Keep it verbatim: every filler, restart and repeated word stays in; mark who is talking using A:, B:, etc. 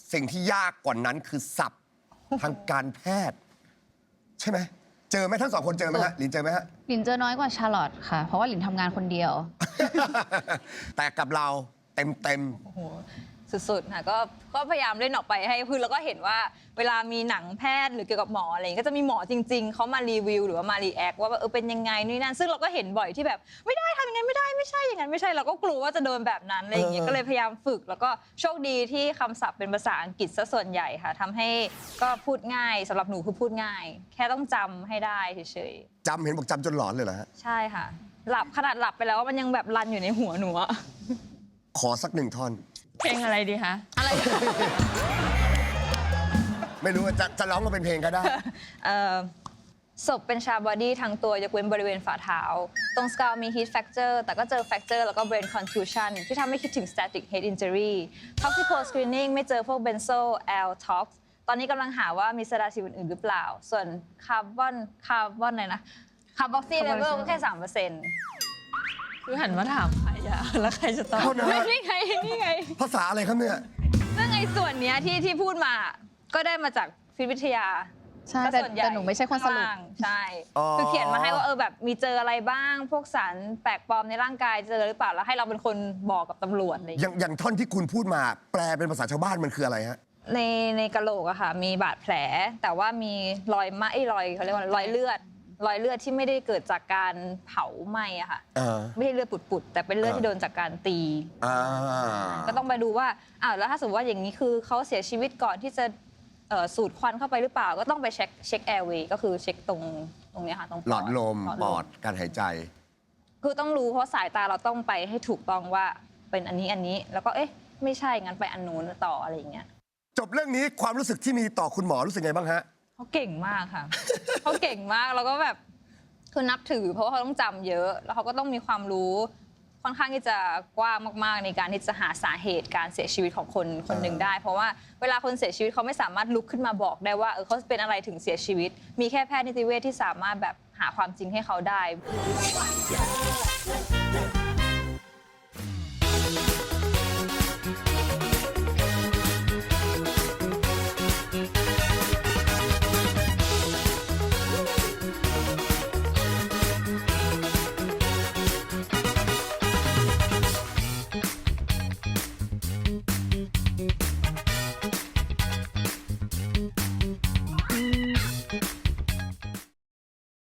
A: สิ่งที่ยากกว่านั้นคือศัพท์ทางการแพทย์ ใช่ไหมเจอไหมทั้งสองคนเจอไหมฮะลินเจอไหมฮะ
B: หลินเจอน้อยกว่าชาร์ลอตค่ะ เพราะว่าหลินทำงานคนเดียว
A: แต่กับเราเต็มเต็ม
C: โอ้โหสุดๆค่ะก็ก็พยายามเล่นออกไปให้พื้นแล้วก็เห็นว่าเวลามีหนังแพทย์หรือเกี่ยวกับหมออะไรก็จะมีหมอจริงๆเขามารีวิวหรือว่ามารีแอคว่าเออเป็นยังไงนี่นั่นซึ่งเราก็เห็นบ่อยที่แบบไม่ได้ทำอย่างนั้นไม่ได้ไม่ใช่อย่างนั้นไม่ใช่เราก็กลัวว่าจะโดนแบบนั้นอะไรอย่างเงี้ยก็เลยพยายามฝึกแล้วก็โชคดีที่คำศัพท์เป็นภาษาอังกฤษซะส่วนใหญ่ค่ะทำให้ก็พูดง่ายสำหรับหนูคือพูดง่าย แค่ต้องจำให้ได้เฉย
A: ๆจำเห็นบอกจำจนหลอนเลยเหรอฮะ
C: ๆใช่ค่ะหลับขนาดหลับไปแล้วมันยังแบบรันอยู่ในหัวหนูอะ
A: ขอสักหนึ่งท่อน
B: เพลงอะไรดีคะ
C: อะไร
A: ไม่รู้ว่าจะจะร้องมาเป็นเพลงก็ได้
C: เอ่อศพเป็นชาบอดี้ทั้งตัวยกเว้นบริเวณฝ่าเท้า ตรงสกาลมี heat fracture แต่ก็เจอ fracture แล้วก็ brain contusion ที่ทำให้คิดถึง static head injury toxical screening ไม่เจอพวก benzo l tox ตอนนี้กำลังหาว่ามีสารสิวอื่นๆหรือเปล่า ส่วนคาร์บอนคาร์บอนอะไรนะคาร์บอกซี่เลเวลก็แค่ สามเปอร์เซ็นต์
B: คือหันมาถามใครอะแล้วใครจะตอบ
A: โทษนะฮะ
C: นี่ไงนี่ไง
A: ภาษาอะไรครับเนี่ย
C: ซึ่งไอ้ส่วนเนี้ยที่ที่พูดมาก็ได้มาจากฟิสิกส์วิทยา
B: ใช่
C: ก็
B: แต่
C: ส่วนใหญ่
B: แต่หนูไม่ใช่คนสรุป
C: ข้างล่างใช่
A: อ๋อ
C: คือเขียนมาให้ว่าเออแบบมีเจออะไรบ้าง พวกสารแปลกปลอมในร่างกายเจอหรือเปล่าแล้วให้เราเป็นคนบอกกับตำรวจอะไรอย่าง
A: อ
C: เงี้ย
A: ย่างอย่างท่อนที่คุณพูดมาแปลเป็นภาษาชาวบ้านมันคืออะไรฮะ
C: ในในกะโหลกอะค่ะมีบาดแผล แต่ว่ามีรอยไหมรอยเขาเรียกว่ารอยเลือด รอยเลือดที่ไม่ได้เกิดจากการเผาไหม้อะค่ะ
A: อ่า
C: ไม่ใช่เลือดปุดๆแต่เป็นเลือด
A: อ่า
C: ที่โดนจากการตี
A: อ่า
C: ก็ต้องไปดูว่าอ้าวแล้วถ้าสมมติว่าอย่างนี้คือเขาเสียชีวิตก่อนที่จะเอ่อสูดควันเข้าไปหรือเปล่า ก็ต้องไปเช็คเช็คแอร์เวย์ก็คือเช็คตรงตรงเนี้ยค่ะตรง
A: หลอดลม
C: ห
A: ปอดการหายใจ
C: คือต้องรู้เพราะสายตาเราต้องไปให้ถูกต้องว่าเป็นอันนี้อันนี้ แล้วก็เอ๊ะไม่ใช่งั้นไปอันนู้นต่ออะไรอย่างเงี้ย
A: จบเรื่องนี้ความรู้สึกที่มีต่อคุณหมอรู้สึกไงบ้างฮะ
C: เขาเก่งมากค่ะ เขาเก่งมากแล้วก็แบบคือนับถือ เพราะว่าเขาต้องจำเยอะ แล้วเขาก็ต้องมีความรู้ค่อนข้างที่จะกว้างมากๆ ในการที่จะหาสาเหตุการเสียชีวิตของคนคนหนึ่งได้ เพราะว่าเวลาคนเสียชีวิตเขาไม่สามารถลุกขึ้นมาบอกได้ว่าเออเขาเป็นอะไรถึงเสียชีวิต มีแค่แพทย์นิติเวชที่สามารถแบบหาความจริงให้เขาได้